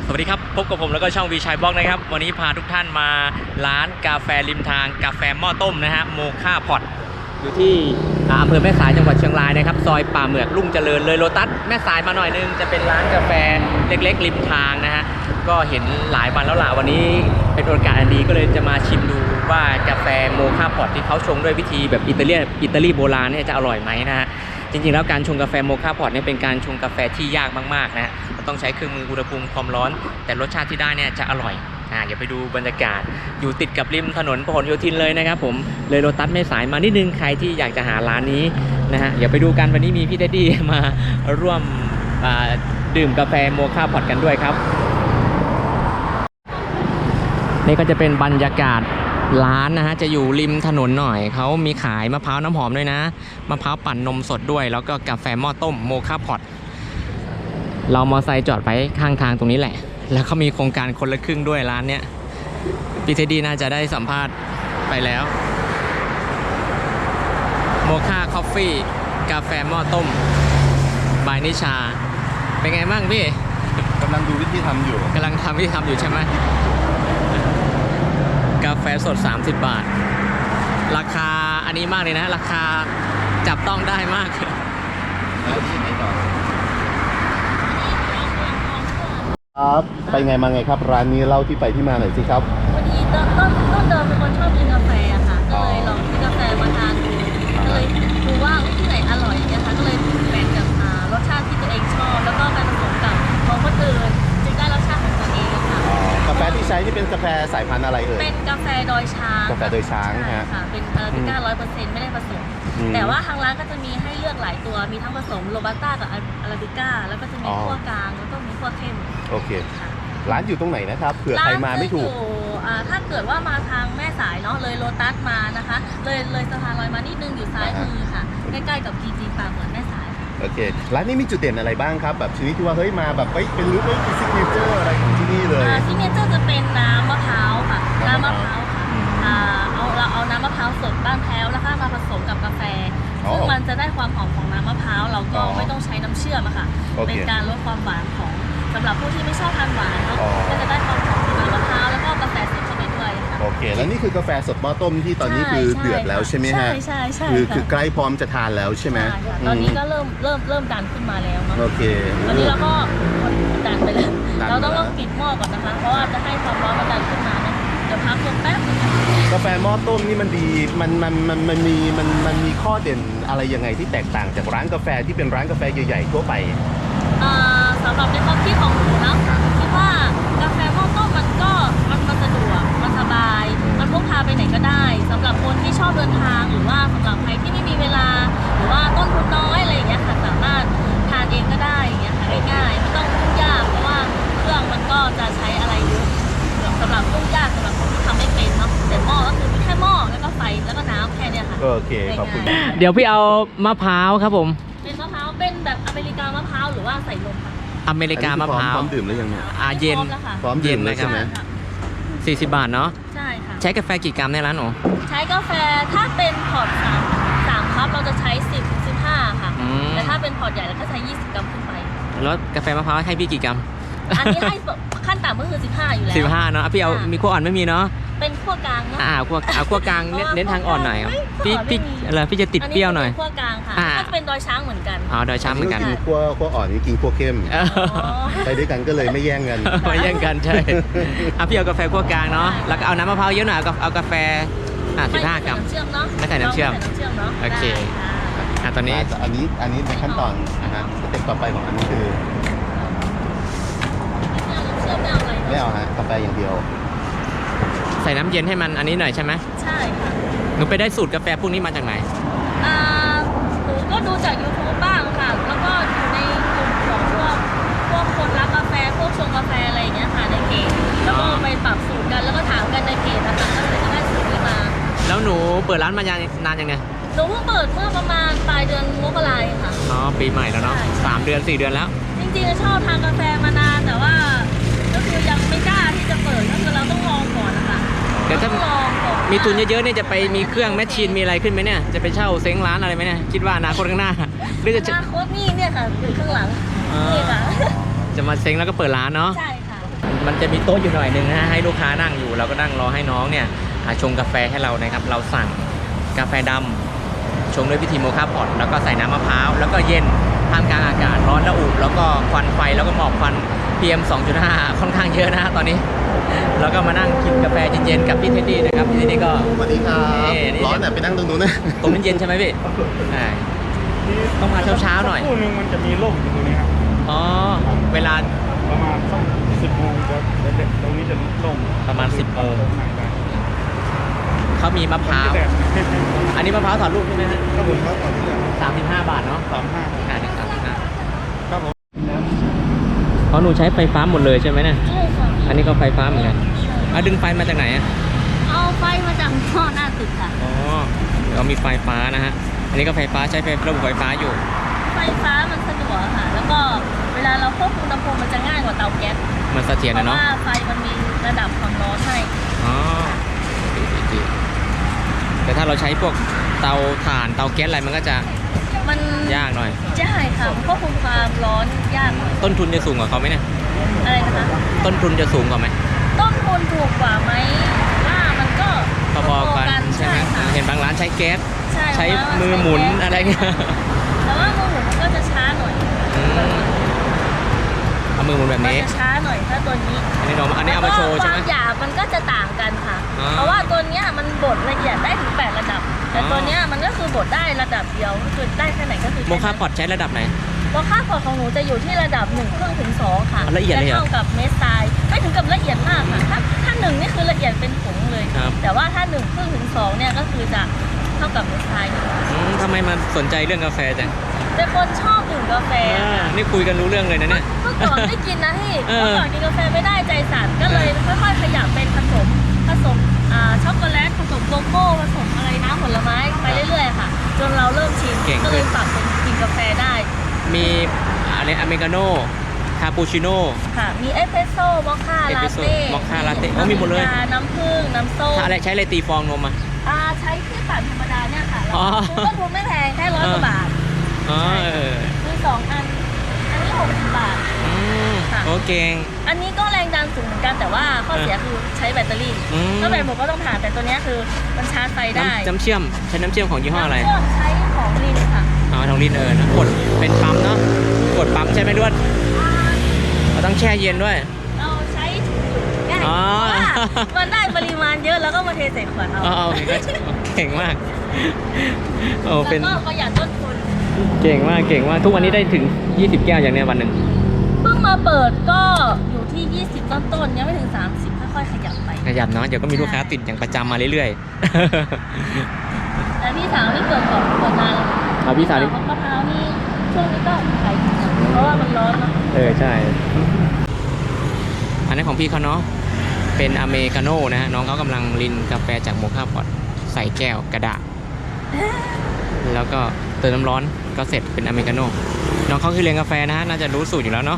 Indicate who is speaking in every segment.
Speaker 1: สวัสดีครับพบกับผมแล้วก็ช่องวีชัยบล็อกนะครับวันนี้พาทุกท่านมาร้านกาแฟริมทางกาแฟหม้อต้มนะฮะโมค่าพอตอยู่ที่อำเภอแม่สายจังหวัดเชียงรายนะครับซอยป่าเหมือกรุ่งเจริญเลยโลตัสแม่สายมาหน่อยนึงจะเป็นร้านกาแฟเล็กๆริมทางนะฮะก็เห็นหลายวันแล้วล่ะวันนี้เป็นโอกาสอันดีก็เลยจะมาชิมดูว่ากาแฟโมค่าพอตที่เขาชงด้วยวิธีแบบอิตาลีโบราณเนี่ยจะอร่อยไหมนะฮะจริงๆแล้วการชงกาแฟโมค่าพอตเนี่ยเป็นการชงกาแฟที่ยากมากๆนะต้องใช้เครื่องมืออุณหภูมิความร้อนแต่รสชาติที่ได้เนี่ยจะอร่อยเดี๋ยวไปดูบรรยากาศอยู่ติดกับริมถนนพหลโยธินเลยนะครับผมเลยโลตัสแม่สายมานิดนึงใครที่อยากจะหาร้านนี้นะฮะเดี๋ยวไปดูกันวันนี้มีพี่เท็ดดี้มาร่วมดื่มกาแฟโมค่าพอตกันด้วยครับนี่ก็จะเป็นบรรยากาศร้านนะฮะจะอยู่ริมถนนหน่อยเขามีขายมะพร้าวน้ำหอมด้วยนะมะพร้าวปั่นนมสดด้วยแล้วก็กาแฟหม้อต้มโมค่าพอตเรามอไซค์จอดไว้ข้างทางตรงนี้แหละแล้วเขามีโครงการคนละครึ่งด้วยร้านเนี้ยพี่เทดดี้น่าจะได้สัมภาษณ์ไปแล้วโมค่าคอฟฟี่กาแฟหม้อต้มบายนิชาเป็นไงบ้างพี่
Speaker 2: กำลังดูวิธีทำอยู่
Speaker 1: กำลังทำวิธีทำอยู่ใช่ไหมกาแฟสด30 บาทราคาอันนี้มากเลยนะราคาจับต้องได้มาก
Speaker 2: ครับไปไงมาไงครับร้านนี้เล่าที่ไปที่มาหน่อยสิครับ
Speaker 3: วันนี้ต้นเดิมเป็นคนชอบกินกาแฟอะค่ะก็เลยลองซื้อกาแฟมาทานดูก็เลยดูว่าที่ไหนอร่อยเนี่ยค่ะก็เลยแบ่งกับรสชาติที่ตัวเองชอบแล้วก็ไปผสมกับของคนอื่นจึงได้รสชาติของตัวเองค่ะ
Speaker 2: กาแฟที่ใช้นี่เป็นกาแฟสายพันธุ์อะไรเอ่ย
Speaker 3: เป็นกาแฟดอยช้าง
Speaker 2: กาแฟดอยช้างฮะ
Speaker 3: ค่ะเป็นอาราบิก้า100%ไม่ได้ผสมแต่ว่าทางร้านก็จะมีให้เลือกหลายตัวมีทั้งผสมโรบัสต้ากับอาราบิก้าแล้วก็จะมีคั่วกลางแล้วก็มีคั่วเข้ม
Speaker 2: โอเคร้านอยู่ตรงไหนนะครับเผื่อใครมาไม่ถูก
Speaker 3: ถ้าเกิดว่ามาทางแม่สายเนาะเลยโลตัสมานะคะเลยสะพานลอยมานิดนึงอยู่ซ้ายมือค่ะใกล้ๆกับจีป่าเหมือนแม่สาย
Speaker 2: โอเคร้านนี้มีจุดเด่นอะไรบ้างครับแบบชนิดที่ว่าเฮ้ยมาแบบเป็นรู้ว่าเป็นซิกเนเจอร์อะไรของที่นี่เลย
Speaker 3: ซิกเนเจอร์จะเป็นน้ำมะพร้าวค่ะน้ำมะพร้าวเราเอาน้ำมะพร้าวสดบ้านแพ้วแล้วก็มาผสมกับกาแฟซึ่งมันจะได้ความหอมของน้ำมะพร้าวเราก็ไม่ต้องใช้น้ำเชื่อมค่ะเป็นการลดความหวานของสำหรับผู้ที่ไม่ชอบทานหวานเนาะก็จะได้ความหอมของน้ำมะพร้าวแล้วก็กาแฟสดเข้าไปด้วยค่ะ
Speaker 2: โอเคแล้วนี่คือกาแฟสดหม้อต้มที่ตอนนี้คือเดือดแล้วใช่ไหมฮะ
Speaker 3: ใช่
Speaker 2: คือใกล้พร้อมจะทานแล้วใช่ไหม
Speaker 3: ตอนนี้ก็เริ่มดันขึ้นมาแล้วเนาะ
Speaker 2: โอเค
Speaker 3: ตอนนี้เราก็ดันไปแล้วเราต้องปิดหม้อก่อนนะคะเพราะว่าจะให้ความร้อนมันดันขึ้นมาเนาะเดี๋ยวพักลงแป๊บ
Speaker 2: กาแฟหม้อต้มนี่มันดีมันมีข้อเด่นอะไรยังไงที่แตกต่างจากร้านกาแฟที่เป็นร้านกาแฟใหญ่ๆทั่วไป
Speaker 3: สำหรับในความคิดของหนูนะคิดว่ากาแฟหม้อต้มมันสะดวกมันสบายมันพกพาไปไหนก็ได้สำหรับคนที่ชอบเดินทางหรือว่าสำหรับใครที่ไม่มีเวลาหรือว่าต้นทุนน้อยอะไรอย่างเงี้ยค่ะสามารถทานเองก็ได้อย่างเงี้ยค่ะง่ายๆไม่ต้องยุ่งยากเพราะว่าเครื่องมันก็จะใช้อะไรเยอะสำหรับยุ่งยากสำหรับคนที่ทำไม่เป็นเนาะแต่หม้อก็คือมีแค่หม้อแล้วก็ไฟแล้วก็น้ำแค่เนี้ยค่ะ
Speaker 2: โอเคขอบคุณ
Speaker 1: เดี๋ยวพี่เอามะพร้าวครับผม
Speaker 3: เป็นมะพร้าวเป็นแบบอเมริกามะพร้าวหรือว่าใส่นมค่ะ
Speaker 1: อเมริกามะพร้าว
Speaker 2: พร้อมดื่มแล้วยังเนี่ย
Speaker 1: เย็น
Speaker 2: พร้อมดื่มเลยใช่ไหม
Speaker 1: 40 บาทเนาะ
Speaker 3: ใช่ค่ะ
Speaker 1: ใช้กาแฟกี่กรัมในร้านหนู
Speaker 3: ใช้กาแฟถ้าเป็นพอร์ต3คัพเราจะใช้10-15ค่ะแต่ถ้าเป็นพอร์ตใหญ่เราก็ใช้20 กรัมขึ้นไป
Speaker 1: แล้วกาแฟมะพร้าวให้พี่กี่กรัม
Speaker 3: อันนี้ให้ขั้นต่ำก็คือ15อยู่แล้ว
Speaker 1: 15เนาะพี่เอามีขั้วอ่อนไม่มีเนาะ
Speaker 3: เป็นขั้วกลางเนาะ
Speaker 1: ขั้วกลางเน้นทางอ่อนหน่อยพี่จะติดเปรี้ยวหน่อย
Speaker 3: ขั้วกลางค่ะก็เป็นดอยช้างเหมือนกัน
Speaker 1: ดอยช้างเหมือนกัน
Speaker 2: ขั้วอ่อนนี่กินขั้วเข้มไปด้วยกันก็เลยไม่แย่งกัน
Speaker 1: ใช่พี่เอากาแฟขั้วกลางเนาะแล้วก็เอาน้ำมะพร้าวเยอะหน่อยเอากาแฟ15 กรัมไม่ใส่น้ำเชื่อมโอเคตอนนี้
Speaker 2: อันนี้ในขั้นตอนสเต็ปต่อไปของอันนี้คือไม่เอาฮะกาแฟอย่างเดียว
Speaker 1: ใส่น้ำเย็นให้มันอันนี้หน่อยใช่ไหม
Speaker 3: ใช่ค่ะ
Speaker 1: หนูไปได้สูตรกาแฟพวกนี้มาจากไหน
Speaker 3: หนูก็ดูจาก YouTube บ้างค่ะแล้วก็อยู่ในกลุ่มของพวกคนรักกาแฟพวกชงกาแฟอะไรอย่างเงี้ยค่ะในเพจแล้วก็ไปปรับสูตรกันแล้วก็ถามกันในเพจนะคะก็เลยได้สูตรนี้มา
Speaker 1: แล้วหนูเปิดร้านมานานยังไง
Speaker 3: หนูเพิ่งเปิดเมื่อประมาณปลายเดือนมกราคมค่ะ
Speaker 1: ปีใหม่แล้วเนาะ3 เดือน 4 เดือนแล้ว
Speaker 3: จริงๆชอบทานกาแฟมานานแต่ว่าก็คือยังไม่กล้าที่จะเปิดก็คือเราต้องลองก่อนนะคะ
Speaker 1: เดี๋ยวถ้ามีทุนเยอะๆเนี่ยจะไปมีเครื่องแมชชีนมีอะไรขึ้นไหมเนี่ยจะไปเช่าเซ้งร้านอะไรไหมเนี่ยคิดว่าอนาคตข้างหน้า
Speaker 3: หรือจะอนาคตนี่เนี่ยค่ะอยู่ข้างหลังนี่ค่ะ
Speaker 1: จะมาเซ้งแล้วก็เปิดร้านเนาะ
Speaker 3: ใช่ค่ะ
Speaker 1: มันจะมีโต๊ะอยู่หน่อยหนึงนะฮะให้ลูกค้านั่งอยู่เราก็นั่งรอให้น้องเนี่ยชงกาแฟให้เรานะครับเราสั่งกาแฟดำชงด้วยวิธีโมคาพอตแล้วก็ใส่น้ำมะพร้าวแล้วก็เย็นท่ามกลางอากาศร้อนระอุแล้วก็ควันไฟแล้วก็หมอกควัน PM 2.5 ค่อนข้างเยอะนะฮะตอนนี้แล้วก็มานั่งกินกาแฟเย็นๆกับพี่เท็ดดี้นะครับพี่เท็ดดี้ก็
Speaker 2: สวัสดีครับ
Speaker 1: นี่
Speaker 2: ร้อนแต่ไปนั่งตรงนู้นนะ
Speaker 1: ตรงนั้นเย็นใช่ไหมพี่ใช่ต้องมาเช้าๆหน่อย
Speaker 4: คู่หนึงมันจะมีร่มอยู่ตรงนี้ครับ
Speaker 1: อ๋อเวลา
Speaker 4: ประมาณสัก10 โมงจะเด็กตรงนี้จะร่ม
Speaker 1: ประมาณ10 โมง
Speaker 4: นั่งได้
Speaker 1: เขามีมะพร้าว
Speaker 4: แดด
Speaker 1: อันนี้มะพร้าวถอดลูกใช่ไหมฮะ
Speaker 4: ครับผมครับก่อนที่จะ
Speaker 1: 35 บาทเนาะ
Speaker 4: 35
Speaker 1: ค่ะ35
Speaker 4: ครับผม
Speaker 1: เพราะหนูใช้ไฟฟ้าหมดเลยใช่ไหมเนี่ย
Speaker 3: ใช่ค่ะ
Speaker 1: อันนี้ก็ไฟฟ้าเหมือนกันดึงไฟมาจากไหนอ่ะ
Speaker 3: เอาไฟมาจากท่อหน้าตึกค่ะ
Speaker 1: อ๋อเรามีไฟฟ้านะฮะอันนี้ก็ไฟฟ้าใช้ระบบไฟฟ้าอยู่
Speaker 3: ไฟฟ้ามันสะดวกค่ะ แล้วก็เวลาเราควบคุมอุณหภูมิมันจะง่ายกว่าเตาแก๊ส
Speaker 1: มันเสถียร
Speaker 3: เพ
Speaker 1: นะ
Speaker 3: ราะ
Speaker 1: เนาะ
Speaker 3: ว่าไฟมันมีระดับความร้อนให้
Speaker 1: อ๋อดีแต่ถ้าเราใช้พวกเตาถ่านเตาแก๊สอะไรมันก็จะ
Speaker 3: มัน
Speaker 1: ยากหน่อย
Speaker 3: ใช่ค่ะมันควบคุมความร้อนยากหน่อย
Speaker 1: ต้นทุนจะสูงกว่าเขาไหมเนี่ย
Speaker 3: อะไรนะคะ
Speaker 1: ต้นทุนจะสูงกว่าไหม
Speaker 3: ต้นทุนถูกกว่าไหมว่ามันก็
Speaker 1: พอๆกันใช่ไหม
Speaker 3: ค่ะ
Speaker 1: เห็นบางร้านใช้แก๊ส ใช้
Speaker 3: เพราะว่า
Speaker 1: มือหมุน
Speaker 3: ใช้แก๊ส
Speaker 1: อะไรเงี้ย
Speaker 3: แต่ว่ามือหมุนมันก็จะช้าหน่อย
Speaker 1: เอามือหมุนแบบ
Speaker 3: มัน
Speaker 1: นี้
Speaker 3: จะช้าหน่อยถ้าตัวนี้
Speaker 1: อันนี้เอามาโชว์ใช่ไหม
Speaker 3: ความหยาบมันก็จะต่างกันค่ะ
Speaker 1: อ๋อ
Speaker 3: เพราะว่าตัวเนี้ยมันบดละเอียดได้ถึง8ระดับ แต่
Speaker 1: อ๋อ
Speaker 3: ตัวเนี้ยมันก็คือบดได้ระดับเดียวก็คือได้แค่ไหนก็คือ
Speaker 1: โมคาพอตใช้ระดับไหน
Speaker 3: โมคาพอตของหนูจะอยู่ที่ระดับ1/2 ถึง 2ค่ะ
Speaker 1: อ๋อละเอียดเลยเหรอ
Speaker 3: จะเท่ากับเมสไซล์ไม่ถึงกับละเอียดมากค่ะถ้า1นี่คือละเอียดเป็นผงเลย
Speaker 1: ครับ
Speaker 3: แต่ว่าถ้า1/2 ถึง 2เนี่ยก็คือจะเท่ากับเมสไซล์
Speaker 1: ทำไมมาสนใจเรื่องกาแฟจัง
Speaker 3: เป็นคนชอบดื่มกาแฟ
Speaker 1: นี่คุยกันรู้เรื่องเลยนะเนี่ย
Speaker 3: เมื่อก่อนไม่กินนะพี่
Speaker 1: เออ
Speaker 3: เมื่อก่อนกินกาแฟไม่ได้ใจสั่นก็เลยค่อยๆขยับเป็นผสมช็อกโกแลตผสมโกโก้ผสมอะไรน้ำผลไม้ไปเรื่อยๆค่ะ จนเราเริ่มชินก็เลยปรับเป็นกินกาแฟได้
Speaker 1: มีอะไรอเมริกาโน่คาปูชิโน่
Speaker 3: ค่ะ มีเอสเปรสโซ่มอคค่าลาเต้
Speaker 1: มอคค่าลาเต้โอ้มีหมดเลย
Speaker 3: น้ำผึ้งน้ำส้ม
Speaker 1: ถ้าอะไรใช้อะไรตีฟองนมอ่ะ
Speaker 3: ใช้ที่ปั่นธรรมดาเนี่ยค่ะ
Speaker 1: อ๋อ
Speaker 3: ต้นทุนไม่แพงแค่100 กว่าบาท
Speaker 1: อ๋อ
Speaker 3: มี2 อัน อันนี้60 บาท ค่ะ
Speaker 1: โอเค
Speaker 3: อันนี้ก็แรงดันสูงเหมือนกันแต่ว่าข้อเสียคือใช้แบตเตอรี่
Speaker 1: อืม
Speaker 3: ถ้าแบตหมดก็ต้องผ่านแต่ตัวเนี้ยคือมันชาร์จไฟได้
Speaker 1: น้ำเชื่อมใช้น้ำเชื่อมของยี่ห้ออะไร
Speaker 3: น้ำเชื่มใช้ของลินค่ะ
Speaker 1: อ๋อทองลินนะกดเป็นปั๊มเนาะกดปั๊มใช่ไหมด้วนเราต้องแช่เย็นด้วย
Speaker 3: เราใช้ถุงจุดง่าย
Speaker 1: อ๋อ
Speaker 3: เพราะว่ามันได้ปริมาณเยอะแล้วก็มาเทใส่ขวดเอา
Speaker 1: อ๋อโอเคก็เก่งมากโอ้
Speaker 3: แล้ว
Speaker 1: เป็น
Speaker 3: ก็ประหยัดต้นทุน
Speaker 1: เก่งมากทุกวันนี้ได้ถึง20 แก้วอย่างเนี้ยวันหนึ่ง
Speaker 3: เพิ่งมาเปิดก็อยู่ที่ 20 ต้นๆยังไม่ถึง 30ค่อยๆขยับไป
Speaker 1: ขยับเนาะเดี๋ยวก็มีลูกค้าติดอย่างประจำมาเรื่อย
Speaker 3: แต่พี่สาวนี่เปิดก่อนเปิดนานแล้ว
Speaker 1: เอาพี่สาวนี่
Speaker 3: มะพร้าวนี่ช่วงนี้ก็ขายดีนะเพราะว่ามันร้อนเนาะ
Speaker 1: ใช่อันนี้ของพี่เขาเนาะเป็นอเมริกาโน่นะฮะน้องเขากำลังรินกาแฟจากโมคาพอตใส่แก้วกระดาษ แล้วก็เติมน้ำร้อนก็เสร็จเป็นอเมริกาโน่น้องเขาคือเรียนกาแฟนะฮะน่าจะรู้สูตรอยู่แล้วเนาะ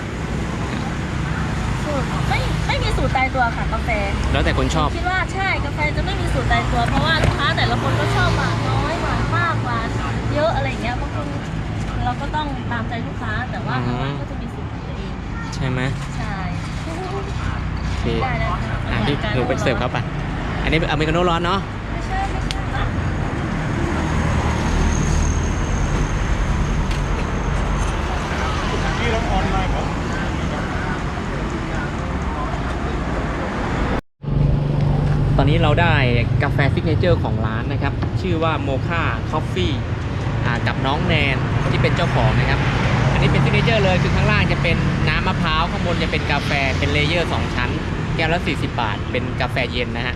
Speaker 3: สูตรไม่มีสูตรตายตัวค่ะกาแฟ
Speaker 1: แล้วแต่คนชอบ
Speaker 3: คิดว่าใช่กาแฟจะไม่มีสูตรตายตัว เพราะว่าลูกค้าแต่ละคนก็ชอบหวานน้อยหวานมากหวานเยอะอะไรอย่างเงี้ยบางคนเราก็ต้องตามใจลูกค้าแต่ว่าทางร้านก็จะมีสูตรของตัวเอง
Speaker 1: ใช่ไหม
Speaker 3: ใช่
Speaker 1: โอเค
Speaker 3: ได้ค่ะ
Speaker 1: พี่หนูไปเสิร์ฟครับป่ะอันนี้อเมริกาโน่ร้อนเนาะ
Speaker 3: ไม่ใช่ค่ะ
Speaker 4: ที่เราออนไลน์ครับ
Speaker 1: ตอนนี้เราได้กาแฟซิกเนเจอร์ของร้านนะครับชื่อว่าโมคาคอฟฟี่กับน้องแนนที่เป็นเจ้าของนะครับอันนี้เป็นซิกเนเจอร์เลยคือข้างล่างจะเป็นน้ำมะพร้าวข้างบนจะเป็นกาแฟเป็นเลเยอร์2ชั้นแก้วละ40 บาทเป็นกาแฟเย็นนะฮะ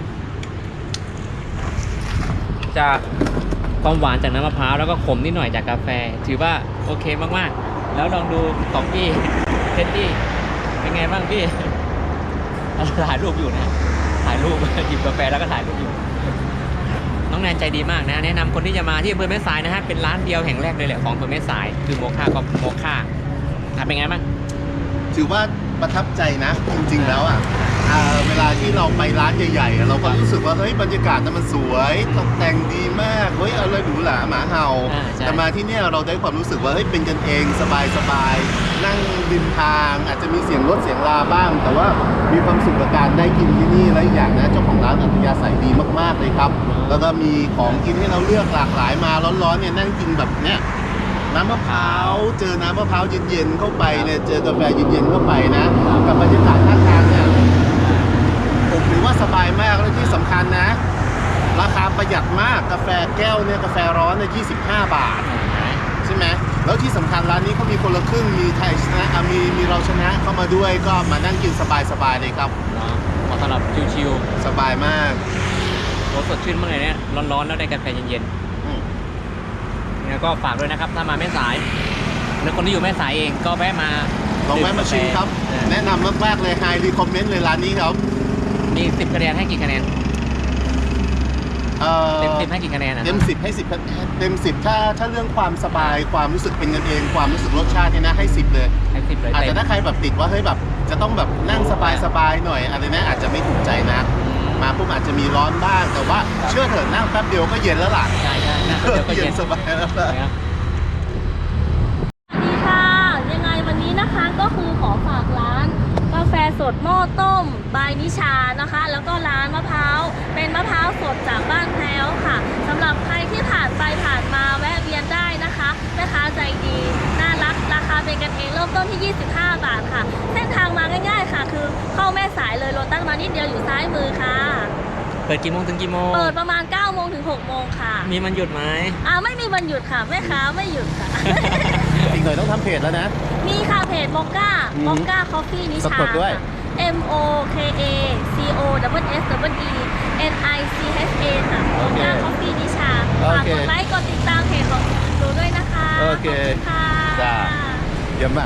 Speaker 1: จะความหวานจากน้ำมะพร้าวแล้วก็ขมนิดหน่อยจากกาแฟถือว่าโอเคมากๆแล้วลองดูของพี่เท็ดดี้เป็นไงบ้างพี่ ถ่ายรูปอยู่นะถ่ายรูป หยิบกาแฟแล้วก็ถ่ายรูปอยู่น้องแนนใจดีมากนะแนะนำคนที่จะมาที่อำเภอแม่สายนะฮะเป็นร้านเดียวแห่งแรกเลยแหละของอำเภอแม่สายคือโมคากับโมคาเป็นไงบ้าง
Speaker 2: ถือว่าประทับใจนะ จริงๆแล้วอ่ะเวลาที่เราไปร้านใหญ่ๆเราก็รู้สึกว่าเฮ้ยบรรยากาศนั้นมันสวยตกแต่งดีมากเฮ้ยอะไรหรูหราหมาเห่า
Speaker 1: ใช่
Speaker 2: แต่มาที่เนี่ยเราได้ความรู้สึกว่าเฮ้ยเป็นกันเองสบายๆนั่งริมทางอาจจะมีเสียงรถเสียงลาบ้าง แต่ว่ามีความสุขกับการได้กินที่นี่และอีกอย่างนะเจ้าของร้านอัธยาศัยดีมากๆเลยครับ แล้วก็มีของกินให้เราเลือกหลากหลายมาร้อนๆเนี่ยนั่งกินแบบเนี้ยน้ำมะพร้าวเจอน้ำมะพร้าวเย็นๆเข้าไปเนี่ยเจอกาแฟเย็นๆเข้าไปนะกับบรรยากาศข้างทางเนี่ยผมถือว่าสบายมากและที่สำคัญนะ ราคาประหยัดมากกาแฟแก้วเนี่ยกาแฟร้อนเนี่ย25 บาทใช่ไหมแล้วที่สำคัญร้านนี้เขามีคนละครึ่งมีไทยชนะมีเราชนะเข้ามาด้วยก็มานั่งกินสบายๆเลยครับ
Speaker 1: เนาะเหมาะสำหรับชิว
Speaker 2: สบายมาก
Speaker 1: ๆรสสดชื่นมากเลยเนี่ยร้อนๆแล้วได้กาแฟเย็น
Speaker 2: อืม
Speaker 1: ๆแล้วก็ฝากด้วยนะครับถ้ามาแม่สายหรือคนที่อยู่แม่สายเองก็แวะมา
Speaker 2: ลองแวะมาชิมครับ แนะนำมากๆเลยไฮรีคอมเมนต์เลยร้านนี้ครับ
Speaker 1: มี10 คะแนนให้กี่คะแนน เต็ม 10ให้กี่คะแนนนะ
Speaker 2: เต็ม 10 ให้ 10 เต็ม 10 ถ้าเรื่องความสบายความรู้สึกเป็นกันเองความรู้สึกรสชาติเนี่ยนะให้ 10 เลย
Speaker 1: ให้10เลย
Speaker 2: อาจ
Speaker 1: เต็
Speaker 2: จะ
Speaker 1: ม
Speaker 2: ถ้าใครแบบติดว่าเฮ้ยแบบจะต้องแบบนั่งสบายๆหน่อยอะไรนะอาจจะไม่ถูกใจนะมาปุ๊บอาจจะมีร้อนบ้าง แต่ว่าเชื่อเถอะนั่งแป๊บเดียวก็เย็นแล้วล่ะ
Speaker 1: ใช่นะเดี๋ยวก็เย็น
Speaker 2: สบายแล้วล่ะ
Speaker 1: นะครับ
Speaker 3: สวัสดีค่ะ ยังไงวันนี้นะคะก็คือขอฝากร้านกาแฟสดหม้อต้มบายนิชานะคะ แล้วก็ร้านมะพร้าวเป็นมะพร้าวสดจากบ้านแพรวค่ะสำหรับใครที่ผ่านไปผ่านมาแวะเวียนได้นะคะแม่ค้าใจดีน่ารักราคาเป็นกันเองเริ่มต้นที่ 25 บาทค่ะเส้นทางมาง่ายๆค่ะ คือเข้าแม่สายเลยโลตัสมานิดเดียวอยู่ซ้ายมือค่ะ
Speaker 1: เปิดกี่โมงถึงกี่โมง
Speaker 3: เปิดประมาณ 9 โมงถึง 6 โมงค่ะ
Speaker 1: มีมันหยุดไหม
Speaker 3: ไม่มีวันหยุดค่ะแม่ค้าไม่หยุดค่ะ
Speaker 2: อีกหน่อยต้องทำเพจแล้วนะ
Speaker 3: มีค่ะเพจมอคก้า
Speaker 2: อืม
Speaker 3: มอคก้าคอฟฟี่นิ
Speaker 2: สะ
Speaker 3: ชาก
Speaker 2: ดด้วย
Speaker 3: ค่ะ MOKACOSSENICHA ค่ะมอคก้าคอฟฟี่นิชาฝากกดไลค์กดติดตามเพจของหนูด้วยนะคะ
Speaker 2: โอเค
Speaker 3: ขอบคุณค่ะ
Speaker 2: จ้า เยี่ยมมาก